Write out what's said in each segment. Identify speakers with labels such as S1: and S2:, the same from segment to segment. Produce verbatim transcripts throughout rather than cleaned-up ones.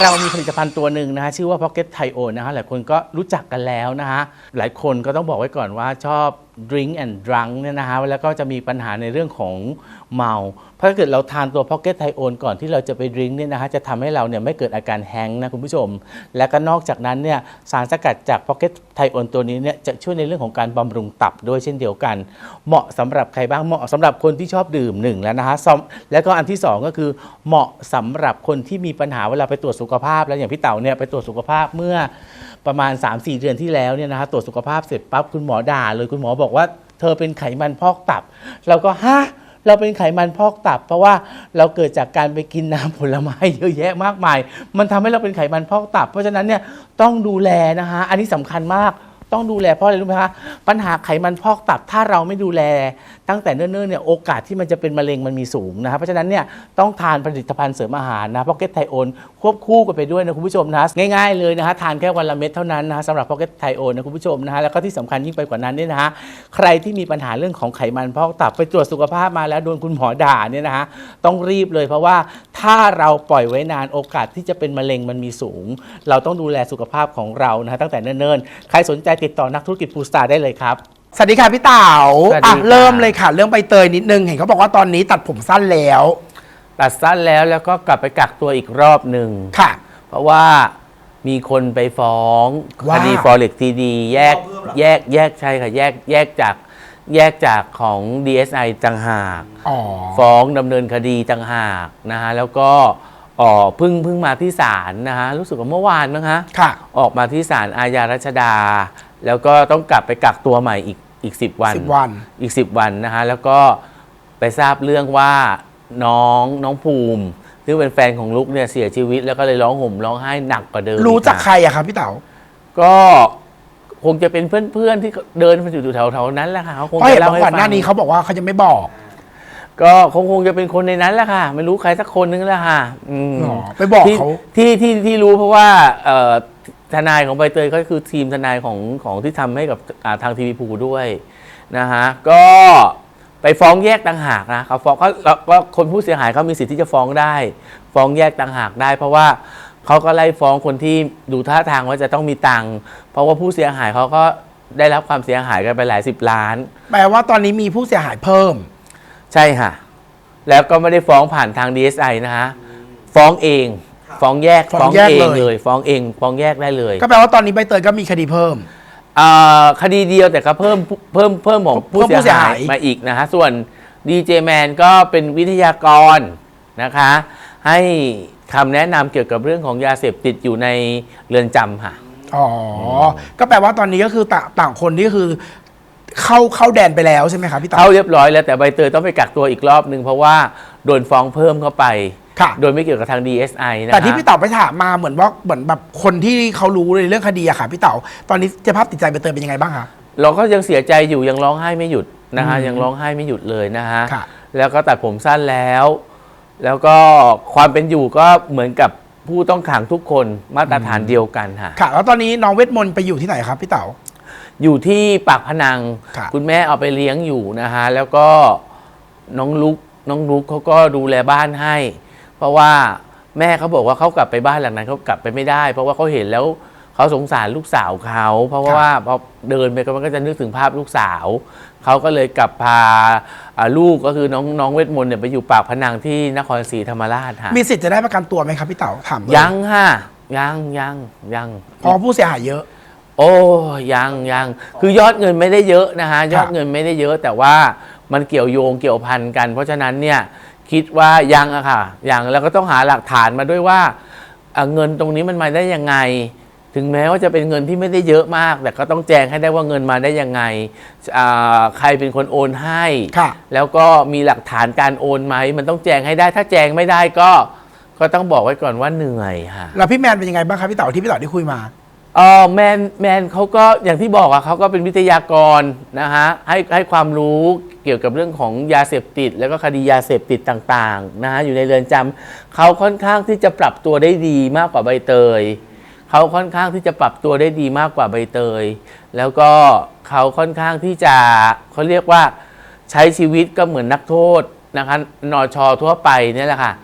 S1: เรามีผลิตภัณฑ์ตัวหนึ่งนะฮะชื่อว่า Pocket Thio นะฮะหลายคนก็รู้จักกันแล้วนะฮะหลายคนก็ต้องบอกไว้ก่อนว่าชอบ drink and drunk เนี่ยนะฮะแล้วก็จะมีปัญหาในเรื่องของเมาเพราะถ้าเกิดเราทานตัว Pocket Thio ก่อนที่เราจะไปดื่มเนี่ยนะฮะจะทำให้เราเนี่ยไม่เกิดอาการแฮงก์นะคุณผู้ชมและก็นอกจากนั้นเนี่ยสารสกัดจาก Pocket Thio ตัวนี้เนี่ยจะช่วยในเรื่องของการบำรุงตับด้วยเช่นเดียวกันเหมาะสำหรับใครบ้างเหมาะสำหรับคนที่ชอบดื่มหนึ่งแล้วนะฮะแล้วก็อันที่สองก็คือเหมาะสำหรับคนที่มีปัญหาเวลาไปตรวจสุขภาพแล้วอย่างพี่เต๋าเนี่ยไปตรวจสุขภาพเมื่อประมาณ สามสี่ เดือนที่แล้วเนี่ยนะฮะตรวจสุขภาพเสร็จปั๊บคุณหมอด่าเลยคุณหมอบอกว่าเธอเป็นไขมันพอกตับเราก็ฮะเราเป็นไขมันพอกตับเพราะว่าเราเกิดจากการไปกินน้ำผลไม้เยอะแยะมากมายมันทำให้เราเป็นไขมันพอกตับเพราะฉะนั้นเนี่ยต้องดูแลนะฮะอันนี้สำคัญมากต้องดูแลเพราะอะไรรู้ไหมคะปัญหาไขมันพอกตับถ้าเราไม่ดูแลตั้งแต่เนิ่นๆเนี่ยโอกาสที่มันจะเป็นมะเร็งมันมีสูงนะครับเพราะฉะนั้นเนี่ยต้องทานผลิตภัณฑ์เสริมอาหารนะ Pocket Thio ควบคู่กันไปด้วยนะคุณผู้ชมนะง่ายๆเลยนะฮะทานแค่วันละเม็ดเท่านั้นนะสำหรับ Pocket Thio นะคุณผู้ชมนะฮะแล้วก็ที่สำคัญยิ่งไปกว่านั้นเนี่ยนะฮะใครที่มีปัญหาเรื่องของไขมันพอกตับไปตรวจสุขภาพมาแล้วโดนคุณหมอด่าเนี่ยนะฮะต้องรีบเลยเพราะว่าถ้าเราปล่อยไว้นานโอกาสที่จะเป็นมะเร็งมันมีสูงเราต้องดูแลสุขภาพของเรานะฮะตั้งแต่เนิ่นๆใครสนใจติดต่อนักธุรกิจฟู้ดสตาร์ได้เลยครับ
S2: สวัสดีค่ะพี่เต๋าอ่ะเริ่มเลยค่ะเรื่องใบเตยนิดนึงเห็นเขาบอกว่าตอนนี้ตัดผมสั้นแล้ว
S1: ตัดสั้นแล้วแล้วก็กลับไปกักตัวอีกรอบหนึ่ง
S2: ค่ะ
S1: เพราะว่ามีคนไปฟ้องคดี Forex ที ดี แยกแยกแยกใช่ค่ะแยกแยกจากแยกจากของ ดี เอส ไอ ต่างหากฟ้องดำเนินคดีต่างหากนะฮะแล้วก็อ๋อเพิ่งเพิ่งมาที่ศาลนะฮะรู้สึกว่าเมื่อวานมั้งฮะออกมาที่ศาลอาญารัชดาแล้วก็ต้องกลับไปกักตัวใหม่อีกอีกสิบวันอีกสิบวันนะฮะแล้วก็ไปทราบเรื่องว่าน้องน้องภูมิซึ่งเป็นแฟนของลุกเนี่ยเสียชีวิตแล้วก็เลยร้องห่มร้องไห้หนักกว่าเดิม
S2: รู้จากใครอะครับพี่เต๋า
S1: ก็คงจะเป็นเพื่อนๆที่เดินมาอยู่แถวๆนั้นแหละค่ะเขาคง
S2: จะเล่าให้ฟังก่อนหน้านี้เขาบอกว่าเขาจะไม่บอก
S1: ก็คงคงจะเป็นคนในนั้นแหละค่ะไม่รู้ใครสักคนนึงแหละค่ะ
S2: ไปบอกเขา
S1: ที่ที่ที่รู้เพราะว่าทนายของใบเตยก็คือทีมทนายของของที่ทำให้กับทางทีวีภูด้วยนะฮะก็ไปฟ้องแยกต่างหากนะเขาฟ้องก็คนผู้เสียหายเขามีสิทธิ์ที่จะฟ้องได้ฟ้องแยกต่างหากได้เพราะว่าเขาก็ไล่ฟ้องคนที่ดูท่าทางว่าจะต้องมีตังค์เพราะว่าผู้เสียหายเขาก็ได้รับความเสียหายกันไปหลายสิบล้าน
S2: แปลว่าตอนนี้มีผู้เสียหายเพิ่ม
S1: ใช่ค่ะแล้วก็ไม่ได้ฟ้องผ่านทาง ดี เอส ไอ นะฮะฟ้องเองฟ้องแยกฟ้องเองเลยฟ้องเองฟ้องแยกได้เลย
S2: ก็แปลว่าตอนนี้ใบเตยก็มีคดีเพิ่ม
S1: คดีเดียวแต่ก็เพิ่มเพิ่มเพิ่มของผู้เสียหายมาอีกนะฮะส่วนดีเจแมนก็เป็นวิทยากรนะคะให้คำแนะนำเกี่ยวกับเรื่องของยาเสพติดอยู่ในเรือนจำค่ะ
S2: อ๋อก็แปลว่าตอนนี้ก็คือต่างคนนี่คือเข้าเข้าแดนไปแล้วใช่ไหมครับพี่ต๋า
S1: เข้าเรียบร้อยแล้วแต่ใบเตยต้องไปกักตัวอีกรอบนึงเพราะว่าโดนฟ้องเพิ่มเข้าไปโดยไม่เกี่ยวกับทาง ดี เอส ไอ นะ
S2: แต่ที่พี่เต๋าไปถามมาเหมือนว่าเหมือนแบบคนที่เขารู้ในเรื่องคดีอะค่ะพี่เต๋าตอนนี้สภาพจิตใจใบเตยเป็นยังไงบ้างคะ
S1: เราก็ยังเสียใจอยู่ยังร้องไห้ไม่หยุดนะฮะยังร้องไห้ไม่หยุดเลยนะฮะแล้วก็ตัดผมสั้นแล้วแล้วก็ความเป็นอยู่ก็เหมือนกับผู้ต้องขังทุกคนมาตรฐานเดียวกันค่ะ
S2: ค่ะแล้วตอนนี้น้องเวทมนต์ไปอยู่ที่ไหนครับพี่เต๋า
S1: อยู่ที่ปากพนังคุณแม่เอาไปเลี้ยงอยู่นะฮะแล้วก็น้องลุกน้องลุกเขาก็ดูแลบ้านให้เพราะว่าแม่เขาบอกว่าเขากลับไปบ้านหลังนั้นเขากลับไปไม่ได้เพราะว่าเขาเห็นแล้วเขาสงสารลูกสาวเขาเพราะว่าพอเดินไปมันก็จะนึกถึงภาพลูกสาวเขาก็เลยกลับพาลูกก็คือน้องน้องเวทมนต์เนี่ยไปอยู่ปากพนังที่นครศรีธรรมราชค่ะ
S2: มีสิทธิ์จะได้ประกันตัวไหมครับพี่เต๋าถาม
S1: ยังค่ะยังยังยัง
S2: เพราะผู้เสียหายเยอะ
S1: โอ้ยังยังคือยอดเงินไม่ได้เยอะนะฮะยอดเงินไม่ได้เยอะแต่ว่ามันเกี่ยวโยงเกี่ยวพันกันเพราะฉะนั้นเนี่ยคิดว่ายังอะค่ะยังแล้วก็ต้องหาหลักฐานมาด้วยว่าเงินตรงนี้มันมาได้ยังไงถึงแม้ว่าจะเป็นเงินที่ไม่ได้เยอะมากแต่ก็ต้องแจ้งให้ได้ว่าเงินมาได้ยังไงใครเป็นคนโอนให้แล้วก็มีหลักฐานการโอนไหมมันต้องแจ้งให้ได้ถ้าแจ้งไม่ได้ก็ก็ต้องบอกไว้ก่อนว่าเหนื่อยค่ะ
S2: แล้วพี่แมนเป็นยังไงบ้างครับพี่เต๋าที่พี่เต๋าได้คุยมา
S1: เออแมนแมนเขาก็อย่างที่บอกอะเขาก็เป็นวิทยากรนะฮะให้ให้ความรู้เกี่ยวกับเรื่องของยาเสพติดแล้วก็คดียาเสพติดต่างๆนะฮะอยู่ในเรือนจำเขาค่อนข้างที่จะปรับตัวได้ดีมากกว่าใบเตยเขาค่อนข้างที่จะปรับตัวได้ดีมากกว่าใบเตยแล้วก็เขาค่อนข้างที่จะเขาเรียกว่าใช้ชีวิตก็เหมือนนักโทษนะคะนชทั่วไปนี่แหละค่ะ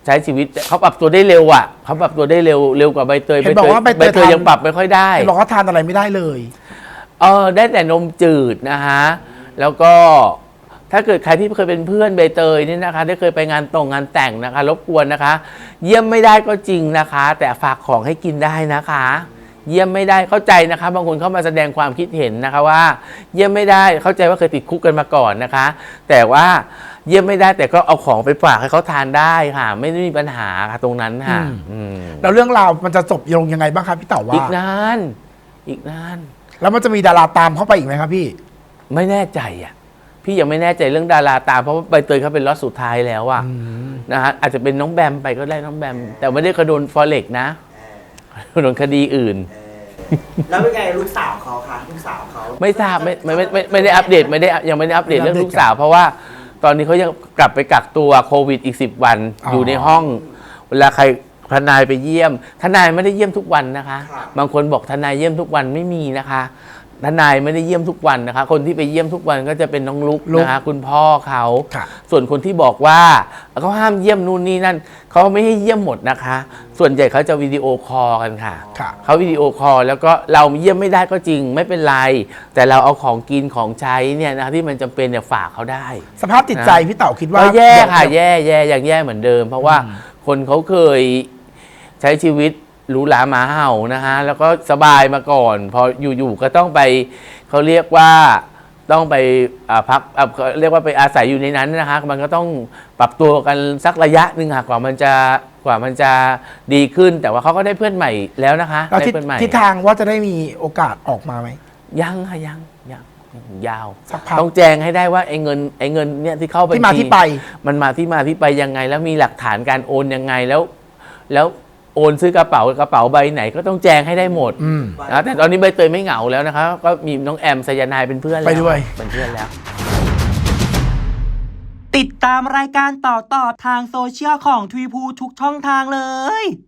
S1: ใช้ชีวิตเขาปรับตัวได้เร็วอ่ะเขาปรับตัวได้เร็วเร็วกว่าใบเตย
S2: เห็นบอกว่าใบเตย
S1: ใบเตยยังปรับไม่ค่อยได้
S2: เห็นบอกว่าทานอะไรไม่ได้เลย
S1: เออได้แต่นมจืดนะฮะแล้วก็ถ้าเกิดใครที่เคยเป็นเพื่อนใบเตยนี่นะคะได้เคยไปงานตรงงานแต่งนะคะรบกวนนะคะ เยี่ยมไม่ได้ก็จริงนะคะ แต่ฝากของให้กินได้นะคะ เยี่ยมไม่ได้เข้าใจนะคะบางคนเข้ามาแสดงความคิดเห็นนะคะว่า เยี่ยมไม่ได้เข้าใจว่าเคยติดคุกกันมาก่อนนะคะ แต่ว่าเยี่ยมไม่ได้แต่ก็เอาของไปฝากให้เขาทานได้ค่ะ ไม่ได้มีปัญหาค่ะตรงนั้นค่ะ
S2: อืม
S1: อืม
S2: แล้วเรื่องราวมันจะจบลงยังไงบ้างครับพี่เต๋าว่า
S1: อีกนานอีกนาน
S2: แล้วมันจะมีดาราตามเข้าไปอีกไหมครับพี่
S1: ไม่แน่ใจอ่ะพี่ยังไม่แน่ใจเรื่องดาราตามเพราะว่าใบเตยเขาเป็นล็อตสุดท้ายแล้วอะนะฮะอาจจะเป็นน้องแบมไปก็ได้น้องแบม แต่ไม่ได้กระโดนฟอเร็กนะโดนคดีอื่น
S3: แล้วเป็นไงลูกสาวเขาคะลูกสาวเขา
S1: ไม่ทราบไม่ไม่ไม่ไม่ไม่ได้อัปเดตไม่ได้ยังไม่ได้อัปเดต
S2: ไม่ได้
S1: เรื่อง
S2: อัปเดต
S1: ลูกสาว เพราะว่าตอนนี้เขายังกลับไปกักตัวโควิดอีกสิบวัน
S2: อ๋อ
S1: อ
S2: อยู่
S1: ในห้อง เวลาใครทนายไปเยี่ยมทนายไม่ได้เยี่ยมทุกวันนะคะ บางคนบอกทนายเยี่ยมทุกวันไม่มีนะคะทนายไม่ได้เยี่ยมทุกวันนะคะ คนที่ไปเยี่ยมทุกวันก็จะเป็นน้องลุก
S2: ลุก
S1: นะคะคุณพ่อเขา
S2: ค่ะ
S1: ส่วนคนที่บอกว่าเขาห้ามเยี่ยมนู่นนี่นั่นเขาไม่ให้เยี่ยมหมดนะคะ ส่วนใหญ่เขาจะวิดีโอคอลกันค่ะ
S2: ค่ะ
S1: เขาวิดีโอคอลแล้วก็เราเยี่ยมไม่ได้ก็จริงไม่เป็นไร แต่เราเอาของกินของใช้เนี่ยนะที่มันจำเป็นเนี่ยฝากเขาได้
S2: สภาพจิตใจพี่เต๋าคิดว่า
S1: ก็แย่ค่ะ
S2: เดี๋ยว
S1: แย่แย่อย่างแย่เหมือนเดิม เพราะว่าคนเขาเคยใช้ชีวิตหรูหราหมาเห่านะฮะแล้วก็สบายมาก่อน พออยู่ๆก็ต้องไปเขาเรียกว่าต้องไปอ่าพักอ่าเขาเรียกว่าไปอาศัยอยู่ในนั้นนะคะมันก็ต้องปรับตัวกันสักระยะหนึ่งค่ะกว่ามันจะกว่ามันจะดีขึ้น แต่ว่าเขาก็ได้เพื่อนใหม่แล้วนะคะ
S2: แล้ว
S1: ได้
S2: ทิศ
S1: เพื่อนใหม่
S2: ทิศทางว่าจะได้มีโอกาสออกมาไหม
S1: ยังค่ะยังยังยังยาว
S2: สักพัก
S1: ต้องแจ้งให้ได้ว่าไอ้เงินไอ้เงินเนี่ยที่เข้าไป
S2: ที่มาที่ไป
S1: มันมาที่มาที่ไปยังไง แล้วมีหลักฐานการโอนยังไงแล้ว แล้วโอนซื้อกระเป๋ากระเป๋าใบไหนก็ต้องแจ้งให้ได้หมด
S2: อืม
S1: นะแต่ตอนนี้ใบเตยไม่เหงาแล้วนะคะก็มีน้องแอมไซยานายเป็นเพื่อนแล้ว
S2: ไปด้วย
S1: เป็นเพื่อนแล้ว
S4: ติดตามรายการต่อต่อทางโซเชียลของทวีพูทุกช่องทางเลย